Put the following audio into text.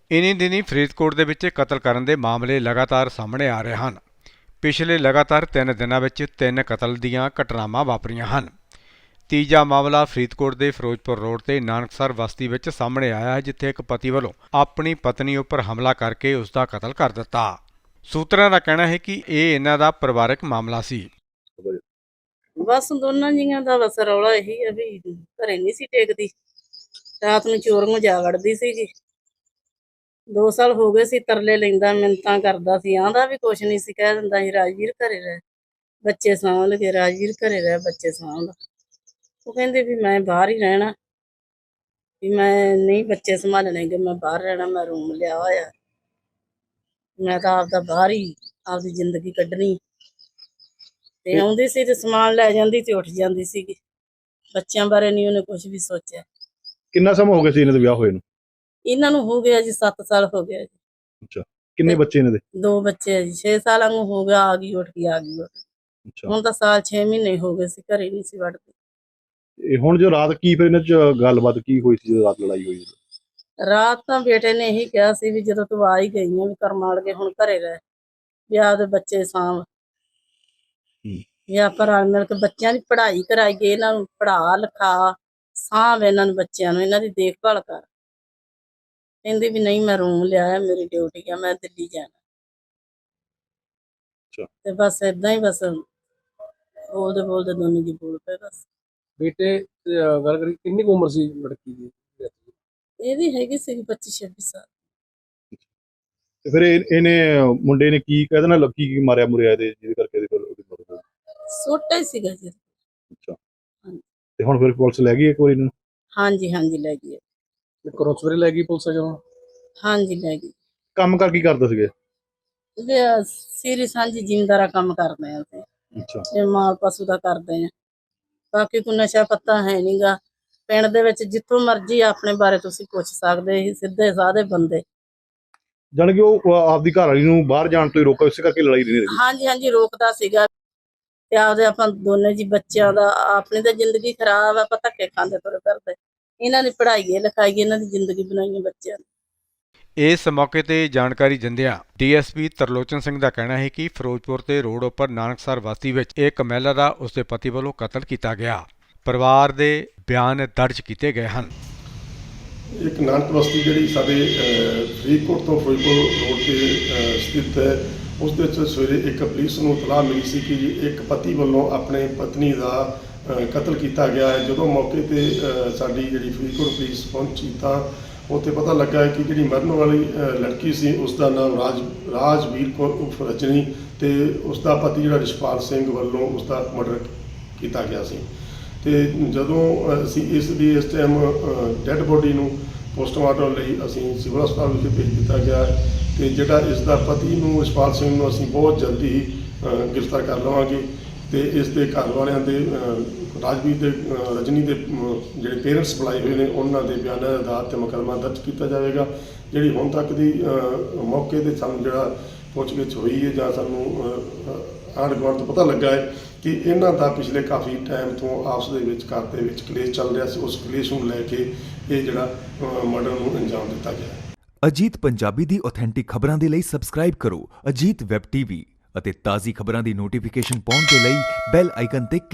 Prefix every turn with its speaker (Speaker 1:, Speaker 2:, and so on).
Speaker 1: ਇਨ੍ਹੀਂ ਦਿਨੀਂ ਫਰੀਦਕੋਟ ਦੇ ਵਿੱਚ ਕਤਲ ਕਰਨ ਦੇ ਮਾਮਲੇ ਲਗਾਤਾਰ ਸਾਹਮਣੇ ਆ ਰਹੇ ਹਨ। ਪਿਛਲੇ ਲਗਾਤਾਰ 3 ਦਿਨਾਂ ਵਿੱਚ 3 ਕਤਲ ਦੀਆਂ ਘਟਨਾਵਾਂ ਵਾਪਰੀਆਂ ਹਨ। ਤੀਜਾ ਮਾਮਲਾ ਫਰੀਦਕੋਟ ਦੇ ਫਿਰੋਜ਼ਪੁਰ ਰੋਡ ਤੇ ਨਾਨਕਸਰ ਬਸਤੀ ਵਿੱਚ ਸਾਹਮਣੇ ਆਇਆ ਹੈ, ਜਿੱਥੇ ਇੱਕ ਪਤੀ ਵੱਲੋਂ ਆਪਣੀ ਪਤਨੀ ਉੱਪਰ ਹਮਲਾ ਕਰਕੇ ਉਸ ਦਾ ਕਤਲ ਕਰ ਦਿੱਤਾ। ਸੂਤਰਾਂ ਦਾ ਕਹਿਣਾ ਹੈ ਕਿ ਇਹ ਇਹਨਾਂ ਦਾ ਪਰਿਵਾਰਕ ਮਾਮਲਾ ਸੀ।
Speaker 2: ਬਸ ਦੋਨਾਂ ਜੀਆਂ ਦਾ ਬਸ ਰੌਲਾ ਇਹੀ ਆ ਵੀ ਘਰੇ ਨਹੀਂ ਸੀ ਟੇਕਦੀ, ਰਾਤ ਨੂੰ ਚੋਰੀਆਂ ਜਾ ਵੜਦੀ ਸੀਗੀ। 2 ਸਾਲ ਹੋ ਗਏ ਸੀ, ਤਰਲੇ ਲੈਂਦਾ, ਮਿੰਨਤਾਂ ਕਰਦਾ ਸੀ, ਆਂਦਾ ਵੀ ਕੁਛ ਨਹੀਂ ਸੀ, ਕਹਿ ਦਿੰਦਾ ਸੀ ਰਾਜਵੀਰ ਘਰੇ ਰਹਿ, ਬੱਚੇ ਸਾਂਭ ਲਗੇ, ਰਾਜਵੀਰ ਘਰੇ ਰਹਿ, ਬੱਚੇ ਸਾਂਭ। ਉਹ ਕਹਿੰਦੇ ਵੀ ਮੈਂ ਬਾਹਰ ਹੀ ਰਹਿਣਾ, ਵੀ ਮੈਂ ਨਹੀਂ ਬੱਚੇ ਸੰਭਾਲਣੇ ਗੇ, ਮੈਂ ਬਾਹਰ ਰਹਿਣਾ, ਮੈਂ ਰੂਮ ਲਿਆ ਹੋਇਆ, ਮੈਂ ਤਾਂ ਆਪਦਾ ਬਾਹਰ ਹੀ ਆਪਦੀ ਜ਼ਿੰਦਗੀ ਕੱਢਣੀ। ਤੇ ਆਉਂਦੀ ਸੀ ਤੇ ਸਮਾਨ ਲੈ ਜਾਂਦੀ ਤੇ ਉੱਠ ਜਾਂਦੀ ਸੀਗੀ। ਬੱਚਿਆਂ ਬਾਰੇ ਨਹੀਂ ਉਹਨੇ ਕੁਝ ਵੀ ਸੋਚਿਆ।
Speaker 3: ਕਿੰਨਾ ਸਮਾਂ ਹੋ ਗਿਆ ਸੀ ਇਹਨਾਂ ਦੇ ਵਿਆਹ ਹੋਏ ਨੂੰ?
Speaker 2: ਇਹਨਾਂ ਨੂੰ ਹੋ ਗਿਆ ਜੀ 7 ਸਾਲ ਹੋ ਗਿਆ ਜੀ।
Speaker 3: ਅੱਛਾ, ਕਿੰਨੇ ਬੱਚੇ ਇਹਨਾਂ ਦੇ?
Speaker 2: 2 ਬੱਚੇ ਆ ਜੀ। 6 ਸਾਲਾਂ ਨੂੰ ਹੋ ਗਿਆ, ਆ ਗਈ ਉੱਠ ਕੇ ਆ ਗਈ।
Speaker 3: ਅੱਛਾ,
Speaker 2: ਹੁਣ ਤਾਂ ਸਾਲ 6 ਮਹੀਨੇ ਹੋ ਗਏ ਸੀ, ਘਰੇ ਨਹੀਂ ਸੀ ਵੜਦੀ।
Speaker 3: ਇਹ ਹੁਣ ਜੋ ਰਾਤ ਕੀ ਫਿਰ ਇਹਨਾਂ ਚ ਗੱਲਬਾਤ ਕੀ ਹੋਈ ਸੀ ਜਦੋਂ ਰਾਤ ਲੜਾਈ ਹੋਈ?
Speaker 2: ਰਾਤ ਤਾਂ ਬੇਟੇ ਨੇ ਇਹੀ ਕਿਹਾ ਸੀ ਵੀ ਜਦੋਂ ਤੂੰ ਆ ਹੀ ਗਈ ਆ ਵੀ ਕਰਮਾਲ ਕੇ ਹੁਣ ਘਰੇ ਰਹਿ, ਵੀ ਆਪਦੇ ਬੱਚੇ ਸਾਂਭ, ਵੀ ਆਪਾਂ ਰਲ ਮਿਲ ਕੇ ਬੱਚਿਆਂ ਦੀ ਪੜ੍ਹਾਈ ਕਰਾਈਏ, ਇਹਨਾਂ ਨੂੰ ਪੜ੍ਹਾ ਲਿਖਾ, ਸਾਂਭ ਇਹਨਾਂ ਨੂੰ, ਬੱਚਿਆਂ ਨੂੰ, ਇਹਨਾਂ ਦੀ ਦੇਖਭਾਲ ਕਰ। ਕਹਿੰਦੀ ਵੀ ਨਹੀਂ ਮੈਂ ਰੂਮ ਲਿਆ, ਮੇਰੀ ਡਿਊਟੀ ਆ, ਮੈਂ ਦਿੱਲੀ ਜਾਣਾ। ਤੇ ਬਸ ਏਦਾਂ ਹੀ ਬਸ ਬੋਲਦੇ ਬੋਲਦੇ ਦੋਨੋਂ ਜੀ ਬੋਲ ਪਏ ਬਸ।
Speaker 4: ਬੇਟੇ ਗੱਲ ਕਰੀ ਕਿੰਨੀ ਕੁ ਉਮਰ ਸੀ ਲੜਕੀ ਦੀ?
Speaker 2: ਇਹਦੀ ਹੈਗੀ ਸੀ 25-26 ਸਾਲ।
Speaker 3: ਤੇ ਫਿਰ ਇਹਨੇ ਮੁੰਡੇ ਨੇ ਕੀ ਕਹਿ ਦੇਣਾ, ਲੱਕੀ ਕੀ ਮਾਰਿਆ ਮੁਰਿਆ ਇਹਦੇ ਜਿਹਦੇ ਕਰਕੇ ਇਹਦੀ ਉਹਦੀ ਮੌਤ ਹੋ ਗਈ?
Speaker 2: ਛੋਟਾ ਹੀ ਸੀਗਾ ਜੀ।
Speaker 3: ਅੱਛਾ, ਤੇ ਹੁਣ ਫਿਰ ਪੁਲਿਸ ਲੈ ਗਈ ਇੱਕ ਵਾਰੀ ਇਹਨੂੰ?
Speaker 2: ਹਾਂਜੀ ਹਾਂਜੀ ਲੈ ਗਈ।
Speaker 4: ਘਰੋਂ ਸਵੇਰੇ ਲੈ ਗਈ ਪੁਲਿਸ ਜਦੋਂ?
Speaker 2: ਹਾਂਜੀ ਲੈ ਗਈ।
Speaker 3: ਕੰਮ ਕਰ ਕੀ ਕਰਦੇ ਸੀਗੇ?
Speaker 2: ਸੀਰੀ ਸਾਂਝੀ ਜ਼ਿਮੀਂਦਾਰਾ ਕੰਮ ਕਰਦੇ ਆ ਅਸੀਂ।
Speaker 3: ਅੱਛਾ,
Speaker 2: ਇਹ ਮਾਲ ਪਸ਼ੂ ਦਾ ਕਰਦੇ ਆ, ਬਾਕੀ ਕੋਈ ਨਸ਼ਾ ਪੱਤਾ ਹੈ ਨਹੀਂਗਾ ਪਿੰਡ ਦੇ ਵਿੱਚ। ਜਿੱਥੋਂ ਮਰਜ਼ੀ ਆਪਣੇ ਬਾਰੇ ਤੁਸੀਂ ਪੁੱਛ ਸਕਦੇ ਸੀ, ਸਿੱਧੇ ਸਾਦੇ ਬੰਦੇ।
Speaker 3: ਜਾਣੀ ਕਿ ਉਹ ਆਪਦੀ ਘਰ ਵਾਲੀ ਨੂੰ ਬਾਹਰ ਜਾਣ ਤੋਂ ਹੀ ਰੋਕਾ, ਇਸੇ ਕਰਕੇ ਲੜਾਈ ਨਹੀਂ ਰਹੀ?
Speaker 2: ਹਾਂਜੀ ਹਾਂਜੀ ਰੋਕਦਾ ਸੀਗਾ। ਤੇ ਆਪਦੇ ਆਪਾਂ ਦੋਨੇ ਜੀ ਬੱਚਿਆਂ ਦਾ, ਆਪਣੀ ਤਾਂ ਜ਼ਿੰਦਗੀ ਖਰਾਬ ਆ, ਆਪਾਂ ਧੱਕੇ ਖਾਂਦੇ ਤੁਰੇ ਫਿਰਦੇ। ਇਹਨਾਂ ਦੀ ਪੜ੍ਹਾਈਏ ਲਿਖਾਈਏ, ਇਹਨਾਂ ਦੀ ਜ਼ਿੰਦਗੀ ਬਣਾਈਏ ਬੱਚਿਆਂ ਦੀ।
Speaker 1: ਇਸ ਮੌਕੇ ਤੇ ਜਾਣਕਾਰੀ ਦਿੰਦਿਆਂ ਡੀਐਸਪੀ ਤਰਲੋਚਨ ਸਿੰਘ ਦਾ ਕਹਿਣਾ ਹੈ ਕਿ ਫਿਰੋਜ਼ਪੁਰ ਤੇ ਰੋਡ ਉੱਪਰ ਨਾਨਕਸਰ ਬਸਤੀ ਵਿੱਚ ਇੱਕ ਮਹਿਲਾ ਦਾ ਉਸਦੇ ਪਤੀ ਵੱਲੋਂ ਕਤਲ ਕੀਤਾ ਗਿਆ। ਪਰਿਵਾਰ ਦੇ ਬਿਆਨ ਦਰਜ ਕੀਤੇ ਗਏ ਹਨ।
Speaker 5: ਇੱਕ ਨਾਨਕ ਬਸਤੀ ਜਿਹੜੀ ਸਾਡੇ ਫਰੀਦਕੋਟ ਤੋਂ ਫਿਰੋਜ਼ਪੁਰ ਰੋਡ ਤੇ ਸਥਿਤ ਹੈ, ਉਸ ਦੇ ਵਿੱਚ ਸਵੇਰੇ ਇੱਕ ਪੁਲਿਸ ਨੂੰ ਇਤਲਾਹ ਮਿਲੀ ਸੀ ਕਿ ਇੱਕ ਪਤੀ ਵੱਲੋਂ ਆਪਣੇ ਪਤਨੀ ਦਾ ਕਤਲ ਕੀਤਾ ਗਿਆ ਹੈ। ਜਦੋਂ ਮੌਕੇ ਤੇ ਸਾਡੀ ਜਿਹੜੀ ਫਰੀਦਕੋਟ ਪੁਲਿਸ ਪਹੁੰਚੀ ਤਾਂ ਉੱਥੇ ਪਤਾ ਲੱਗਾ ਕਿ ਜਿਹੜੀ ਮਰਨ ਵਾਲੀ ਲੜਕੀ ਸੀ ਉਸ ਦਾ ਨਾਮ ਰਾਜਵੀਰ ਕੌਰ ਉਰਫ ਰਜਨੀ, ਤੇ ਉਸ ਦਾ ਪਤੀ ਜਿਹੜਾ ਰਿਸ਼ਪਾਲ ਸਿੰਘ ਵੱਲੋਂ ਉਸ ਦਾ ਮਰਡਰ ਕੀਤਾ ਗਿਆ ਸੀ। ਤੇ ਜਦੋਂ ਅਸੀਂ ਇਸ ਟਾਈਮ ਡੈੱਡ ਬੋਡੀ ਨੂੰ ਪੋਸਟਮਾਰਟਮ ਲਈ ਅਸੀਂ ਸਿਵਲ ਹਸਪਤਾਲ ਵਿਖੇ ਭੇਜ ਦਿੱਤਾ ਗਿਆ ਤੇ ਜਿਹੜਾ ਇਸ ਦਾ ਪਤੀ ਨੂੰ ਰਿਸ਼ਪਾਲ ਸਿੰਘ ਨੂੰ ਅਸੀਂ ਬਹੁਤ ਜਲਦੀ ਹੀ ਗ੍ਰਿਫਤਾਰ ਕਰ ਲਵਾਂਗੇ। ਤੇ ਇਸ ਦੇ ਘਰ ਵਾਲਿਆਂ ਦੇ ਰਾਜਵੀਰ ਦੇ ਰਜਨੀ ਦੇ ਜਿਹੜੇ ਪੇਰੈਂਟਸ ਬੁਲਾਏ ਹੋਏ ਨੇ, ਉਹਨਾਂ ਦੇ ਬਿਆਨਾਂ ਦੇ ਆਧਾਰ 'ਤੇ ਮੁਕੱਦਮਾ ਦਰਜ ਕੀਤਾ ਜਾਵੇਗਾ। ਜਿਹੜੀ ਹੁਣ ਤੱਕ ਦੀ ਮੌਕੇ 'ਤੇ ਸਾਨੂੰ ਜਿਹੜਾ ਪੁੱਛਗਿੱਛ ਹੋਈ ਹੈ ਜਾਂ ਸਾਨੂੰ ਆਂਢ ਗੁਆਂਢ ਤੋਂ ਪਤਾ ਲੱਗਾ ਹੈ ਕਿ ਇਹਨਾਂ ਦਾ ਪਿਛਲੇ ਕਾਫੀ ਟਾਈਮ ਤੋਂ ਆਪਸ ਦੇ ਵਿੱਚ ਘਰ ਦੇ ਵਿੱਚ ਕਲੇਸ਼ ਚੱਲ ਰਿਹਾ ਸੀ। ਉਸ ਕਲੇਸ਼ ਨੂੰ ਲੈ ਕੇ ਇਹ ਜਿਹੜਾ ਮਰਡਰ ਨੂੰ ਅੰਜਾਮ ਦਿੱਤਾ ਗਿਆ।
Speaker 6: ਅਜੀਤ ਪੰਜਾਬੀ ਦੀ ਆਥੈਂਟਿਕ ਖਬਰਾਂ ਦੇ ਲਈ ਸਬਸਕ੍ਰਾਈਬ ਕਰੋ ਅਜੀਤ ਵੈਬ ਟੀਵੀ ਅਤੇ ਤਾਜ਼ੀ ਖਬਰਾਂ ਦੀ ਨੋਟੀਫਿਕੇਸ਼ਨ ਪਾਉਣ ਦੇ ਲਈ ਬੈਲ ਆਈਕਨ ਤੇ